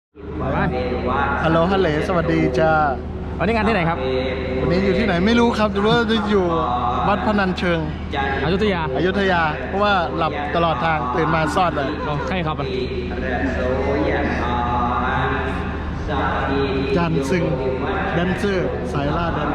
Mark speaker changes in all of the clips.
Speaker 1: ฮัลโหลฮัลโหลสวัสดีจ้า
Speaker 2: วันนี้งานที่ไหนครับ
Speaker 1: วันนี้อยู่ที่ไหนไม่รู้ครับแต่ว่าจะอยู่วัดพนัญเชิง
Speaker 2: อยุธยา
Speaker 1: อยุธยาเพราะว่าหลับตลอดทางตื่นมาซอดเลย
Speaker 2: ใครครับอ่ะ
Speaker 1: จันซึงแดนเซอร์สายล่าแดน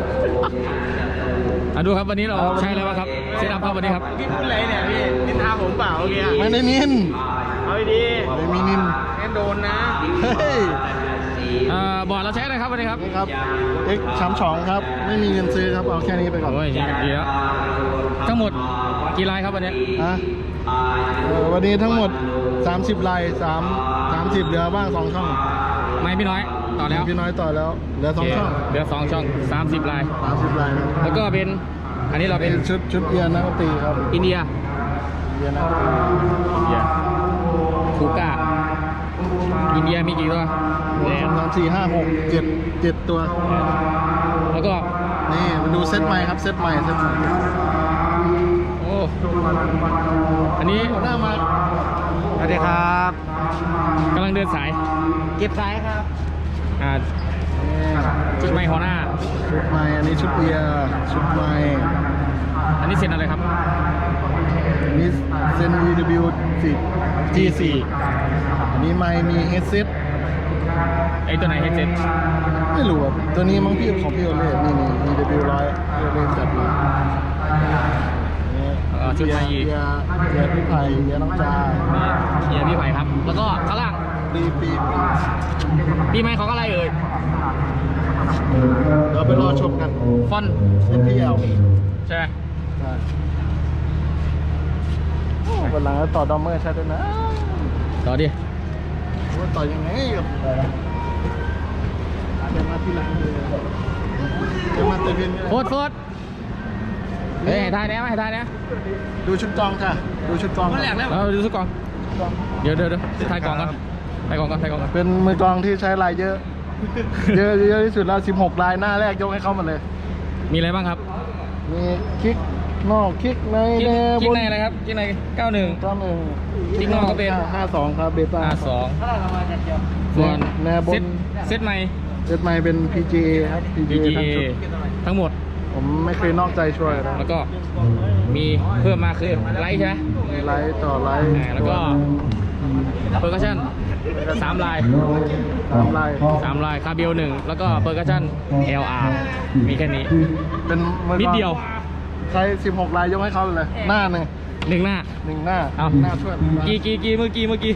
Speaker 2: ดูครับวันนี้เราใช้อะไรบ้างครับเซตอัพครับวันนี้ครับ
Speaker 3: พี่พูดอะไรเนี่ยพี่นินทาผมเปล่าเมื่อกี้
Speaker 1: ไม่ได้นิน
Speaker 3: เอาดี
Speaker 1: ไม่มีนิน
Speaker 3: แอนโดนนะ
Speaker 1: เฮ้ย
Speaker 2: บอร์ดเราใช้อะไรครับวันนี้ครับ
Speaker 1: นี่ครับ X32 ครับไม่มีเงินซื้อครับเอาแค่นี้ไปก่อน
Speaker 2: โอ้ยดีแล้วทั้งหมดกี่ลายครับวันนี้
Speaker 1: นะวันนี้ทั้งหมด30ลาย30เหลือบ้าง2ช่อง
Speaker 2: ไม่พี่น้อยต่อแล้ว
Speaker 1: พี่น้อยต่อแล้วเหลือ2ช่อง
Speaker 2: เหลือ2ช่อง30ลาย
Speaker 1: 30ลายครับ
Speaker 2: แล้วก็เป็นอันนี้เราเป็น
Speaker 1: ชุดเอียนักดนตรีครับ
Speaker 2: อินเดีย
Speaker 1: เอียนักดนตรี
Speaker 2: คูก้าอินเดียมีกี่ตัว
Speaker 1: 1 2 3 4 5 6 7ตัว
Speaker 2: แล้วก็
Speaker 1: นี่มาดูเซตใหม่ครับเซตใหม่
Speaker 2: โอ้อันนี้
Speaker 1: หัวหน้ามา
Speaker 3: สวัสดีครับ
Speaker 2: กำลังเดินสาย
Speaker 3: เก็บสายครับ
Speaker 2: ชุดไม้หัวหน้า
Speaker 1: ชุดใหม่อันนี้ชุดเอียชุดใหม่
Speaker 2: อันนี้เซ็นอะไรครับ
Speaker 1: อันนี้เซน EW
Speaker 2: G4
Speaker 1: อันนี้ไมค์มีเฮดเซต
Speaker 2: ไอ้ตัวไหนเฮดเซ็ต
Speaker 1: ไม่รู้อะตัวนี้มั้งพี่ของพี่โอเล่นี่ EW 100พี่โอเล่จัดมา
Speaker 2: ชุดไม้อีก
Speaker 1: เอียพี่ไผ่เอียน้องจา
Speaker 2: เฮียพี่ไผ่ครับ แล้วก็ข้างล่าง
Speaker 1: ปี
Speaker 2: ปีไม้ของอะไรเอ่ย
Speaker 1: เดี๋ยวไปรอชมกัน
Speaker 2: ฟอน
Speaker 1: NPL
Speaker 2: ใช่ไหม
Speaker 1: วันหลังต่อดอมเมอร์ใช่ด้วยนะ
Speaker 2: ต่อดิ
Speaker 1: ว่าต่อยังไงกับเดี๋ยวมาทีหลังเลยเดี๋ยวมาเตะเวียนกัน
Speaker 2: โฟดเฮ้ยให้ทายนะให้ทายนะ
Speaker 1: ดูชุดกองค่ะ ดูชุดกอง
Speaker 2: เราดูสักกองเดี๋ยวทายกองก่อนทายกองก่อน
Speaker 1: เป็นมือกองที่ใช้ลายเยอะ เยอะที่สุดแล้ว16ลายหน้าแรกยกให้เขาหมดเลย
Speaker 2: มีอะไรบ้างครับ
Speaker 1: มีคิกนอกคิกใน
Speaker 2: กิ๊กในอะไรครับกิ๊กใน91
Speaker 1: 91
Speaker 2: คิกนอกก็เป็น
Speaker 1: 52ครับเบต้า
Speaker 2: 52ส่วน
Speaker 1: แนวบน
Speaker 2: เซตใหม่
Speaker 1: เซตใหม่เป็น PGA ครับ
Speaker 2: PGA
Speaker 1: ทั้งชุด
Speaker 2: ทั้งหมด
Speaker 1: ผมไม่เคยนอกใจช่วยนะ
Speaker 2: แล้วก็มีเพิ่มมาคือไลท์ใช่ไหม
Speaker 1: มีไลท์ต่อไลท์
Speaker 2: แล้วก็เปอร์คัชชั่น3ลาย
Speaker 1: 3ลาย
Speaker 2: 3ลายคาเบล1แล้วก็เปอร์คัชชั่น LR มีแค่นี้
Speaker 1: เป็นมือกอง
Speaker 2: นิดเดียว
Speaker 1: ใช้16ลายยกให้เขาเลยหน้าหนึ่ง
Speaker 2: 1 หน้า
Speaker 1: หน้า
Speaker 2: เอา
Speaker 1: หน้าช่วย
Speaker 2: กี่เมื่อกี้
Speaker 1: เมื่อกี้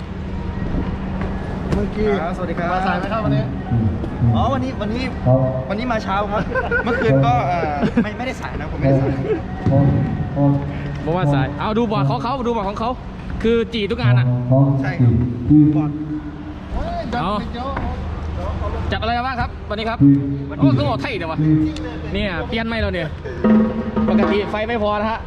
Speaker 3: สวัสดีครับ
Speaker 1: มาสายไหมครับวันนี้
Speaker 3: อ๋อวันนี้มาเช้าครับ เมื่อคืนก็ไม่ได้สายนะผมไม่ได้สาย
Speaker 2: บอกว่าสายเอาดูบอร์ดของเขาดูบอร์ดของเขาคือจีทุกงานอ่ะ
Speaker 3: ใช่ครับบอด
Speaker 2: เอา จัดอะไรมาบ้างครับวันนี้ครับโอ้ก็บอกไทยเดี๋ยววะเนี่ยเปลี่ยนไม่เราเนี่ยปกติไฟไม่พอนะฮะ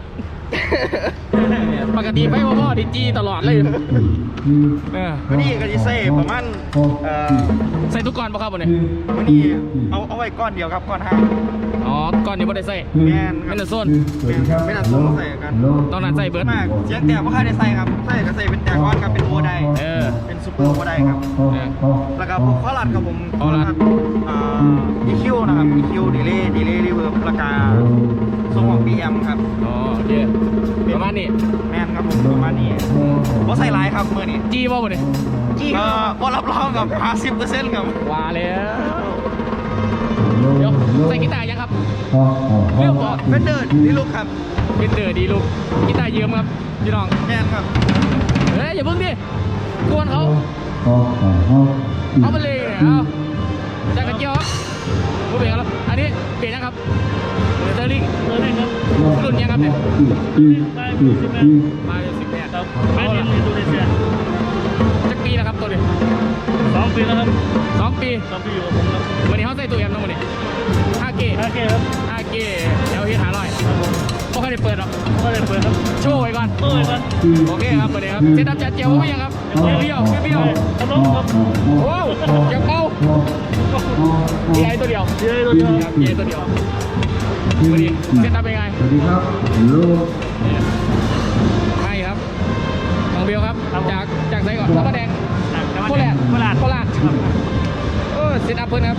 Speaker 2: ปกติไฟไม่พอดิจีตลอดเลย
Speaker 3: วันนี้ก็จะใส่ประมาณ
Speaker 2: ใส่ทุกก้อนปะครับวันนี้
Speaker 3: วันนี้เอาไว้ก้อนเดียวครับก้อนห้า
Speaker 2: อ๋อก้อนนี้ไม่ได้ใส่
Speaker 3: แมน
Speaker 2: ไม่ได้โซน
Speaker 3: ไม่น่าต้องใส่กัน
Speaker 2: ตอนนั้นใส่เบิร์ด
Speaker 3: มากเสียงแต่ว่าค่าได้ใส่ครับใส่ก็ใส่เป็นแต่ก้อนครับเป็นโอได เป็นซูเปอร์โอไดครับ แล้วก็ผมข้อหลัดครับผมEQ นะครับ EQ delay reverb ราคาส่งของ BM ครับ
Speaker 2: อ๋อโอเคประมาณนี้
Speaker 3: แมนครับผมประมาณนี้ว่าใส่ไลน์ครับเมื่อนี้
Speaker 2: จีป่ะวันนี้
Speaker 3: ก็รับรองกับ 50% ครับ
Speaker 2: ว่าแล้วเดี๋ยวใส่กีตาร์ยังครับเรื่องบอก
Speaker 3: เฟนเดอร์นี่ลูกครับ
Speaker 2: เป็นเดือดีลูกกีตาร์ยืมครับพี่น้อง
Speaker 3: แมนครับ
Speaker 2: เฮ้ยอย่าเพิ่งดิกวนเขาเอาไปเลยเนี่ยเอาจากกระเจียวครับผู้เปลี่ยนแล้วอันนี้เปลี่ยนยังครับเตอร์ลิงครับรุ่นยังครับเนี่ยมา18ครับไม่เห็นเลยตัวเดียวจักปีแล้วครับตัวนี้2 ปีแล้วครับ2 ปีอยู่กับผมครับวันนี้เขาใส่ตัวเอ็มนะวันนี้ 5G ครับ 5G แล้วที่500ไม่ค่อยได้เปิดหรอกครับโชว์ไว้ก่อนโอเคครับวันนี้ครับเซตอัพจัดเจียวไม่ยังครับเบี้ยวครับโอ้ยังเบาดีไอตัวเดียวครับดีไอตัวเดียววันนี้เซตอัพเป็นไงสวัสดีครับใช่ครับน้องเบลครับจากไซก่อนแล้วก็แดงโคแลนด์ซตอัพเพิ่นครับ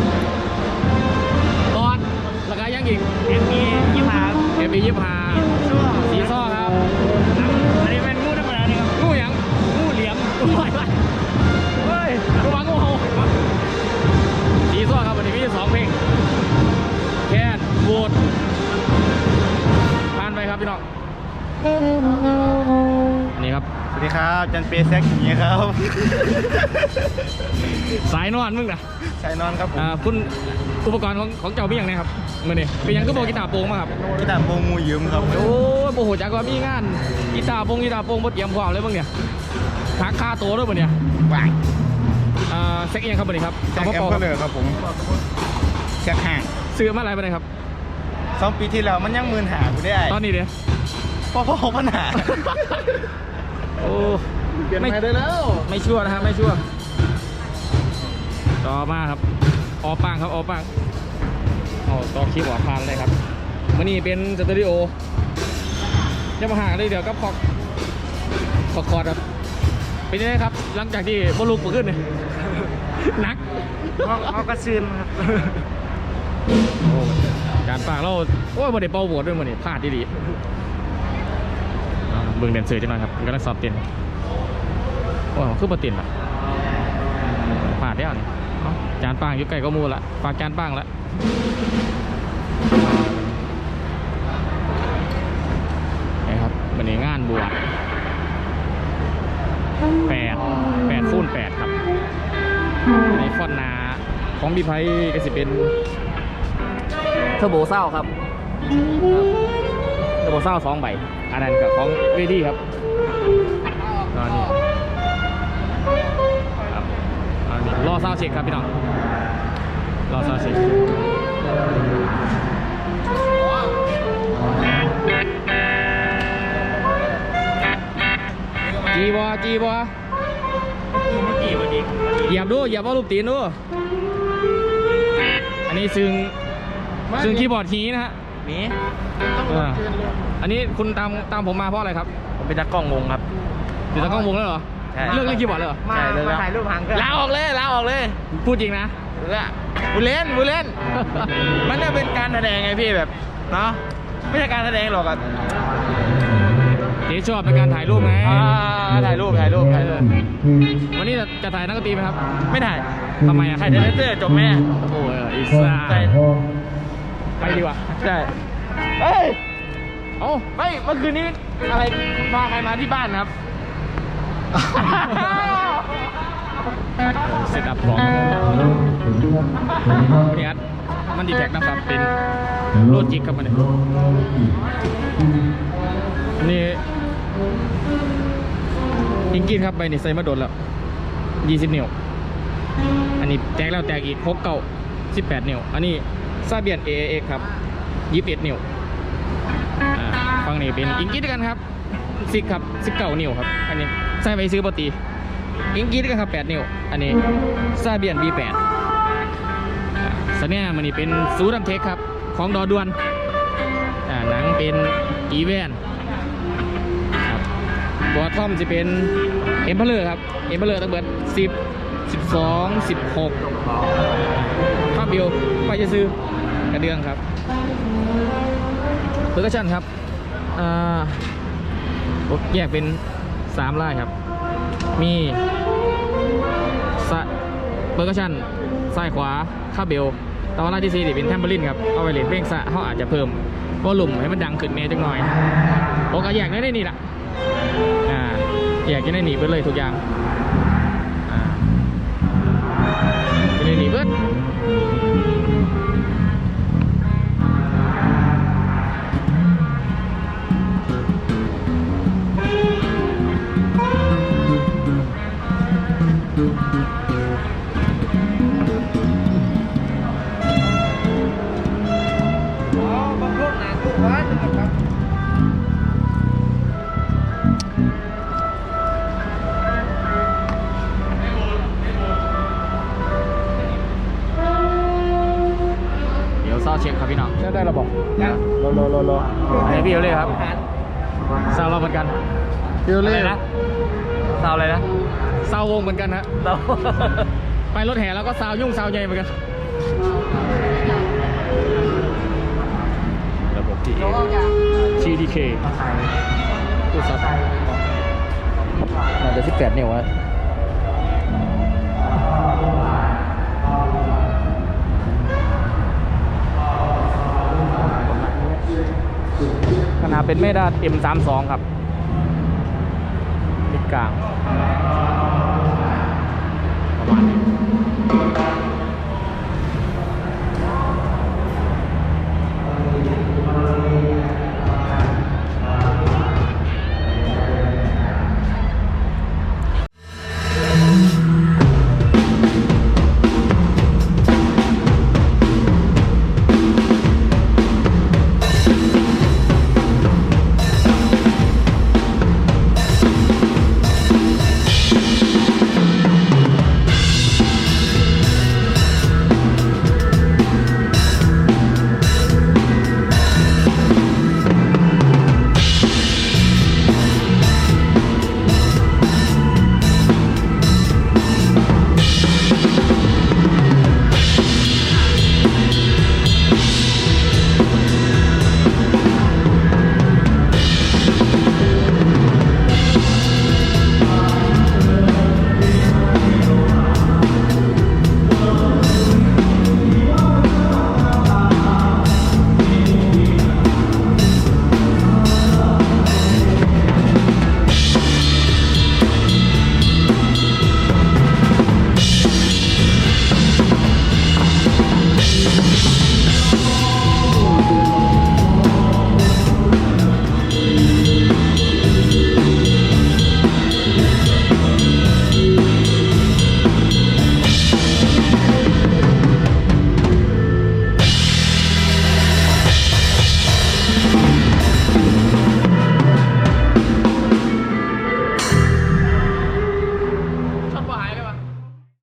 Speaker 2: บอลราคายังอีก
Speaker 3: MB 25
Speaker 2: MB 25
Speaker 3: ชั่ว
Speaker 2: สีซ้อครับ
Speaker 3: อันนี้เป็นงูธรรมดานี่ครับ
Speaker 2: งูหยังงูเหลี่ยมงูอะไรเฮ้ยงูหวังงูเห่าสีซ้อครับวันนี้มี2เพลงแค่โหวตผ่านไปครับพี่น้องอันนี้ครับ
Speaker 3: สวัสดีครับจันเปย์แซกอย่างนี้ครับ
Speaker 2: สายนอนมึงนะ
Speaker 3: ชายนอนครับผม
Speaker 2: คุณอุปกรณ์ของเจ้ามีอย่างไรครับมื่อนี้เป็นหยังก็บอกกีตาร์โปร่งมาครับ
Speaker 3: กีตาร์โปรงงูยืมครับ
Speaker 2: โอ้ยโอ้โหจากว่ามีงานกีตาร์โปร่งบดเตรียมพร้อมเลยมึงเนี่ยหักค่าตัวด้วยมึงเนี่ย
Speaker 3: ว่าง
Speaker 2: เซ็กเองครับมื่อนี้ครับ
Speaker 3: แซกแอมเปอร์เลยครับผมแซกห่าง
Speaker 2: ซื้อมาอะไรไปเลยครับ
Speaker 3: 2 ปีที่แล้วมันยังหากูได้
Speaker 2: ตอนนี้เนี่ย
Speaker 3: พ่อปัญหา
Speaker 2: โอ้
Speaker 1: เปลี่ยนใหม่ได้แล้ว
Speaker 2: ไม่ชั่วนะครับไม่ชั่วต่อมาครับออปังครับออปังเอาต่อคลิปหัวพานเลยครับมื่อนี้เป็นสตูดิโอจะมาหาเลยเดี๋ยวก็คอร์ดครับเป็นยังไงครับหลังจากที่บอลลูกเปิดขึ้นเนี่ยหนัก
Speaker 3: เขาก็ซึมครับ
Speaker 2: โอ้การปากเราโอ้ยบอดี้เป่าโหวตด้วยมันนี่พลาดดีเบิ่งเดนเซอร์จังหน่อยครับกำลังสอบเตียนโอ้คือปรเตียนปะพลาดแล้วนี่จานปังอยู่ใกล้ก็มูละฝากจานปังละนี่ครับวันนี้งานบวช8 คูณ 8ครับในฟอนนาของบีไพก็สิเป็นเทอร์โบเศร้าครับเทอร์โบเศร้า2 ใบอันนั้นกับของเวทีครับตอนนี้ครับอันนี้รอเศร้าเช็คครับพี่น้องรอเศร้าเช็คจีบอ
Speaker 3: ไม่กี่วันดี
Speaker 2: เหยียบว่ารูปตีนดูอันนี้ซึ่งคีย์บอร์ดฮีนะฮะ
Speaker 3: นี่
Speaker 2: อันนี้คุณตามผมมาเพราะอะไรครับ
Speaker 3: ผมเป็นนักกล้องวงครับ
Speaker 2: อยู่ตะกล้องวงแล้วเหรอ
Speaker 3: ใช่
Speaker 2: เลิกเล่นคีย์บอร์ดเลยเหรอ
Speaker 3: มาถ่ายรูปหางกันลาออกเลย
Speaker 2: พูดจริงนะ
Speaker 3: บูเล่น มันจะเป็นการแสดงไงพี่แบบเนาะไม่ใช่การแสดงหรอกอะ
Speaker 2: เจ๊ชอบเป็นการถ่ายรูปไง
Speaker 3: ถ่ายรูป
Speaker 2: วันนี้จะถ่ายนักดนตรีไหมครับ
Speaker 3: ไม่ถ่าย
Speaker 2: ทำไมอ่ะ
Speaker 3: ถ่ายแต่เลเซอร์จบแม่
Speaker 2: โอ้ยอีซ่า
Speaker 3: ใช่
Speaker 2: ไปดีกว่า
Speaker 3: ใช่เฮ้ย
Speaker 2: เอ้า
Speaker 3: ไม่เมื่อคืนนี้อะไรพาใครมาที่บ้านครับ
Speaker 2: เซตอัพของนี่ครับมันดีแท็กนะครับเป็นโลจิกครับมันนี่อิงกินครับไปนี่ใส่มาโดนแล้ว20 นิ้วอันนี้แตกแล้วแตกอีก6 เก้า18 นิ้วอันนี้ซาเบียน AAX ครับ21 นิ้วฟังนี่เป็นอิงกินกันครับ10 ครับ19 นิ้วครับอันนี้ใส่ไปซื้อปกติอิงกินกันครับ8 นิ้วอันนี้ซาเบียน B8 สเนี่ยมันนี่เป็นซูดัมเทคครับของดอดวนหนังเป็นอีเวนครับตัวทอมจะเป็นเอ็มเพลเลอร์ครับเอ็มเพลเลอร์ตั้งเบิด10 12 16ภาพบิวไปจะซื้อกระเดื่องครับเพอร์คัชชั่นครับแยกเป็น3ลายครับมีเพอร์คัชชั่นซ้ายขวาคาเบลตอนแรกที่4เป็นแทมเบอรินครับเอาไปเล่นเพลงซะเขาอาจจะเพิ่มวอลลุ่มให้มันดังขึ้นเมจังหน่อยโอกาสแยกได้นี่แหละแยกจะได้หนีไปเลยทุกอย่างจะได้หนีเบิดเศร้าเช็คครับพี่น้องได้ระบบรออันนี้พี่เอเล่ครับเศร้าเราเหมือนกัน
Speaker 1: เดี๋ยวเล่น
Speaker 2: นะเศร้าอะไรนะเศร้าวงเหมือนกันฮะเศร้าไปรถแห่แล้วก็ซาวยุ่งซาวใหญ่เหมือนกันระบบ TDK ตู้ซับน่าจะ18 นิ้วอะขนาดเป็นเมดา M32 ครับมิดกลางประมาณนี้